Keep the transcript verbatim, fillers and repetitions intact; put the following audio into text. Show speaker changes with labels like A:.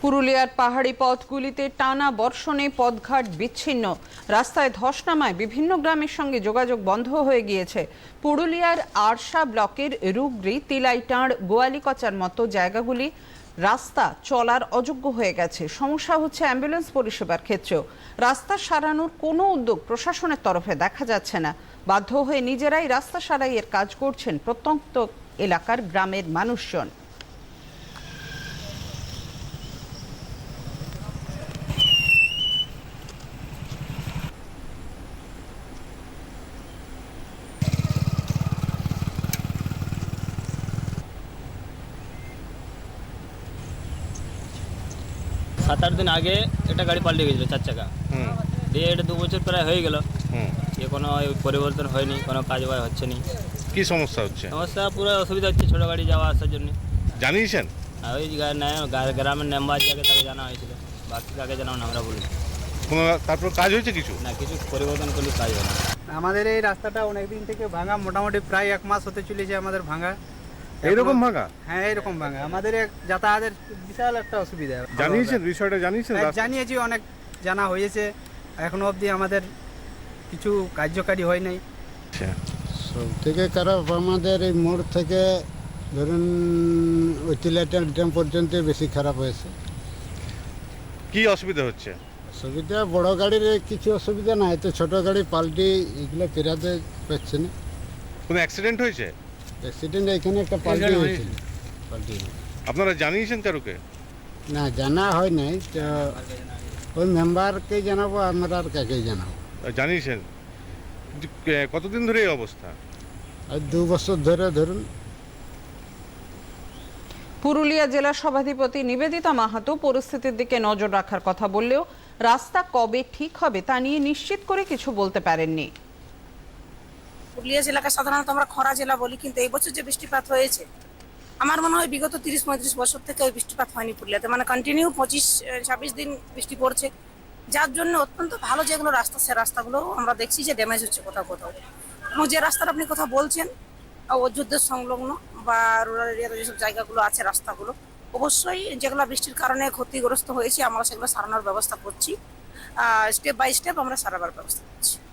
A: পুরুলিয়ার পাহাড়ি পথগুলিতে টানা বর্ষণে পথঘাট বিচ্ছিন্ন, রাস্তায় ধস নামায় বিভিন্ন গ্রামের সঙ্গে যোগাযোগ বন্ধ হয়ে গিয়েছে। পুরুলিয়ার আরশা ব্লকের রুগরি, তিলাইটাঁড়, গোয়ালিকচার মতো জায়গাগুলি রাস্তা চলার অযোগ্য হয়ে গেছে। সমস্যা হচ্ছে অ্যাম্বুলেন্স পরিষেবার ক্ষেত্রেও। রাস্তা সারানোর কোনো উদ্যোগ প্রশাসনের তরফে দেখা যাচ্ছে না। বাধ্য হয়ে নিজেরাই রাস্তা সারাইয়ের কাজ করছেন প্রত্যন্ত এলাকার গ্রামের মানুষজন।
B: সাত আট দিন আগে একটা গাড়ি পাল্টে গেছিলো চার চাকা, দিয়ে এটা দু বছর প্রায় হয়ে গেল, এ কোনো পরিবর্তন হয়নি, কোনো কাজ বাজ হচ্ছে না।
C: কি সমস্যা হচ্ছে?
B: সমস্যা পুরো অসুবিধা হচ্ছে ছোটো গাড়ি যাওয়া আসার জন্য।
C: জানিয়েছেন?
B: আর ওই গ্রামের মেম্বার যাকে তাকে জানা হয়েছিল, বাকি কাকে জানাও না আমরা বলি
C: কোনো তারপর কাজ হয়েছে কিছু
B: না, কিছু পরিবর্তন করলে কাজ হয় না।
D: আমাদের এই রাস্তাটা অনেক দিন থেকে ভাঙা, মোটামুটি প্রায় এক মাস হতে চলেছে আমাদের ভাঙা।
C: এইরকম ভাঙা?
D: হ্যাঁ, এইরকম ভাঙা। আমাদের এক যাতায়াতের বিশাল একটা অসুবিধা।
C: জানিয়েছেন বিষয়টা? জানিয়েছেন?
D: হ্যাঁ, জানিয়েছি, অনেক জানা হয়েছে, এখনো অবধি আমাদের কিছু কার্যকারী হয় নাই।
E: সব থেকে খারাপ আমাদের এই মোড় থেকে ধরুন ওই তিলাইটাঁড় ড্যাম পর্যন্ত বেশি খারাপ হয়েছে।
C: কি অসুবিধা হচ্ছে?
E: অসুবিধা বড় গাড়ির কিছু অসুবিধা নাই, তো ছোট গাড়ি পাল্টি এগুলো পেরাতে পারছে না।
C: কোনো অ্যাক্সিডেন্ট হয়েছে?
E: অ্যাক্সিডেন্ট এখানে একটা পাল্টি হয়েছিল। পাল্টি
C: আপনারা জানিয়েছেন কারুকে?
E: না, জানা হয় নাই, তো ওই মেম্বারকে জানাবো, আমরা আর কাকে জানাবো।
C: জানিয়েছেন? কিন্তু, এ, কতদিন ধরে এই অবস্থা?
E: আর দু বছর ধরে ধরুন।
A: পুরুলিয়া জেলা সভাধিপতি নিবেদিতা মাহাতো পরিস্থিতির দিকে নজর রাখার কথা বললেও রাস্তা কবে ঠিক হবে তা নিয়ে নিশ্চিত করে কিছু বলতে পারেননি।
F: পুরুলিয়া জেলাকে সাধারণত আমরা খরা জেলা বলি, কিন্তু এই বছর যে বৃষ্টিপাত হয়েছে, আমার মনে হয় বিগত তিরিশ পঁয়ত্রিশ বছর থেকে ওই বৃষ্টিপাত হয়নি পুরুলিয়াতে। মানে কন্টিনিউ পঁচিশ ছাব্বিশ দিন বৃষ্টি পড়ছে, যার জন্য অত্যন্ত ভালো যেগুলো রাস্তা, সে রাস্তাগুলো আমরা দেখছি যে ড্যামেজ হচ্ছে কোথাও কোথাও। এবং যে রাস্তাটা আপনি কথা বলছেন অযোধ্যা সংলগ্ন বা রুরাল এরিয়াতে যেসব জায়গাগুলো আছে রাস্তাগুলো, অবশ্যই যেগুলো বৃষ্টির কারণে ক্ষতিগ্রস্ত হয়েছে আমরা সেগুলো সারানোর ব্যবস্থা করছি। স্টেপ বাই স্টেপ আমরা সারাবার ব্যবস্থা করছি।